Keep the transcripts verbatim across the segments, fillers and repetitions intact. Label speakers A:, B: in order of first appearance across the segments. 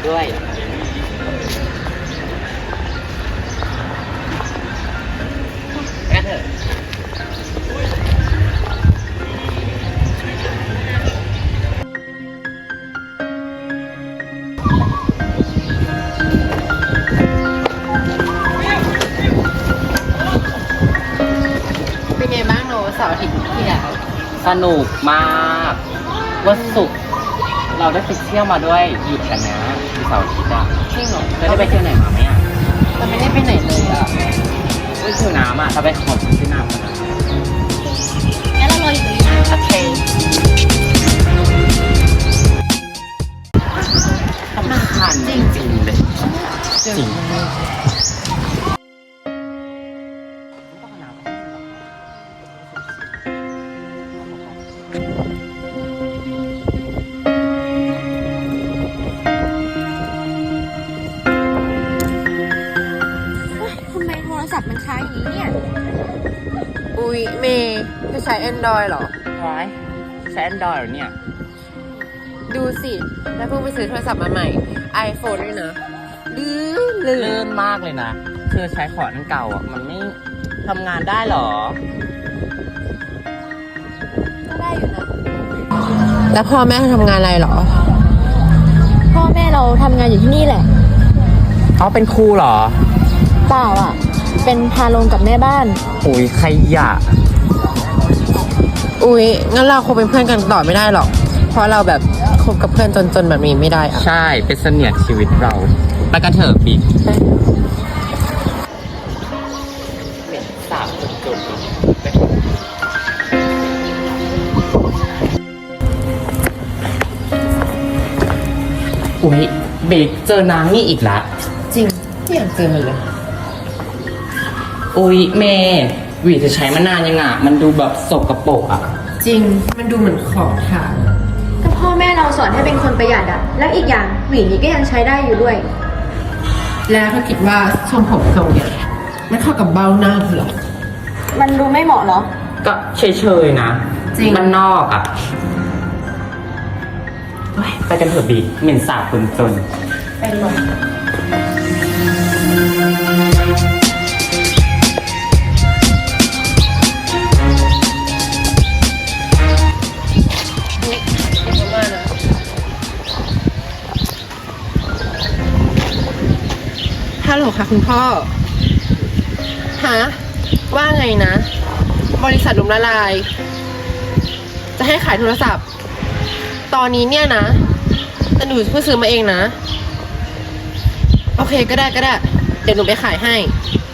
A: ด้วยกันเถอะ
B: เป็นไงบ้างโนเสาร์อาทิตย์ที่แล้ว
A: สนุกมากวันศุกร์เราได้ไปเที่ยวมาด้วยหยุดกันนะมีเสาร์อาทิตย์อ่ะ
B: จริงเหรอ
A: เธอได้ไปเที่ยวไหนมาไหมอ่ะ
B: เราไม่ได้ไปไหนเลยอ่ะ
A: ไม่ชิวน้ำอ่ะถ้าไปขอบที่น้ำกันนะ
B: งั้นเรารออยู่ตรงนี้นะโอเค
A: สำคัญจริงๆเลยจริง
C: ทำไมโทรศัพท์มันค้างอย่างนี้เนี่ย
B: อุ๊ยเมย์จะใช้ Android เหรอ
A: ร้ายใช้ Android เหรอเนี่ย
B: ดูสิแล้วเพิ่งไปซื้อโทรศัพท์มาใหม่ iPhone ด้วยนะลื่นลื่
A: ลื่
B: น
A: นมากเลยนะเธอใช้ของอันเก่าอ่ะมันไม่ทำงานได้หรอ
C: ก็ได้อยู่นะ
B: แล้วพ่อแม่ทำงานอะไรเหรอ
C: พ่อแม่เราทำงานอยู่ที่นี่แหละ
A: เขาเป็นครูเหรอ
C: เปล่าอ่ะ เป็นพาลงกับแม่บ้าน
A: อุ้ยขยะ
B: อุ๊ยงั้นเราคงเป็นเพื่อนกันต่อไม่ได้หรอก เพราะเราแบบคบกับเพื่อนจนๆแบบนี้ไม่ได้อะ
A: ใช่ เป็นเสนียดชีวิตเรา ไปกันเถอะบิ๊กเหม็นสาบจุดๆอุ้ยบิ๊กเจอนางนี่อีกละ
B: จริงที่อยากเจอมันเลย
A: อุ้ยเมย์หวีจะใช้มานานยังอ่ะ มันดูแบบสกปรกอ่ะ
B: จริงมันดูเหมือนของทาง
C: ก็พ่อแม่เราสอนให้เป็นคนประหยัดอ่ะ แล้วอีกอย่างหวีนี้ก็ยังใช้ได้อยู่ด้วย
B: แล้วถ้าคิดว่าทรงผมทรงเนี่ยมันเข้ากับเบ้าหน้าเธอหรอ
C: มันดูไม่เหมาะเหรอ
A: ก็เฉยๆนะ
B: จริง
A: มันนอกอ่ะเฮ้ยไปกันเถอะบิ๊กเหม็นสาบคนจน
B: ไปดีกว่าฮัลโหลค่ะคุณพ่อ ฮะ ว่าไงนะ บริษัทล้มละลาย จะให้ขายโทรศัพท์ ตอนนี้เนี่ยนะ แต่หนูเพิ่งซื้อมาเองนะ โอเคก็ได้ก็ได้ เดี๋ยวหนูไปขายให้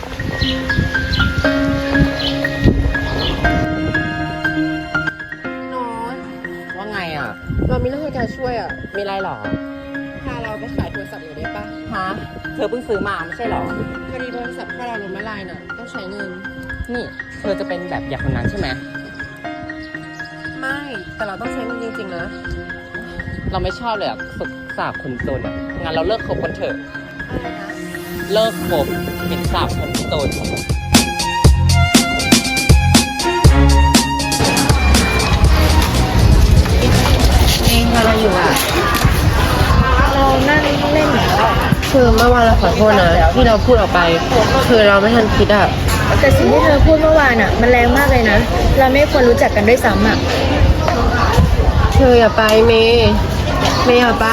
B: โน้ต
A: ว่าไงอ่ะ
B: เรามีเรื่องให้แกช่วยอ่ะ
A: มีอะไรหรอ
B: พาเราไปขายโทรศัพท์หน่อยได้ปะ
A: ฮะ เธอเพิ่งซื้อมาไม่ใช่หรอ
B: พอดีบริษัทพ่อเราล้มละลายน่ะ ต้องใช้เงิน
A: นี่ เธอจะเป็นแบบอย่างคนนั้นใช่ไหม
B: ไม่ แต่เราต้องใช้เงินจริงๆนะ
A: เราไม่ชอบเลยอ่ะฝึกสาบคนจนอ่ะ งั้นเราเลิกคบกันเถอะ
B: อะไรนะ
A: เลิกคบเป็นสาบคนจน
B: เองทำอะไรอยู่อ่ะ
C: เรานั่งเล่นอยู่แล้ว
B: คือเมื่อวานเราขอโทษนะ ที่เราพูดออกไป คือเราไม่ทันคิดอ่ะ
C: แต่สิ่งที่เธอพูดเมื่อวานอ่ะ มันแรงมากเลยนะ เราไม่ควรรู้จักกันด้วยซ้ำอ่ะ
B: เธออย่าไปเมย์เมย์อย่าไป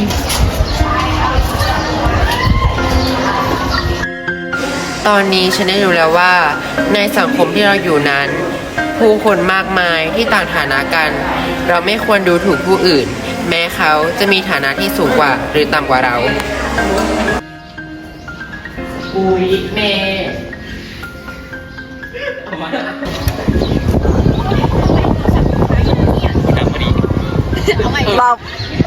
B: ตอนนี้ฉันได้รู้แล้วว่า ในสังคมที่เราอยู่นั้น ผู้คนมากมายที่ต่างฐานะกัน เราไม่ควรดูถูกผู้อื่น แม้เขาจะมีฐานะที่สูงกว่า หรือต่ำกว่าเรา
A: อุ้ยเมย์เอามาดังพอดี
C: เอาใหม่
A: เรา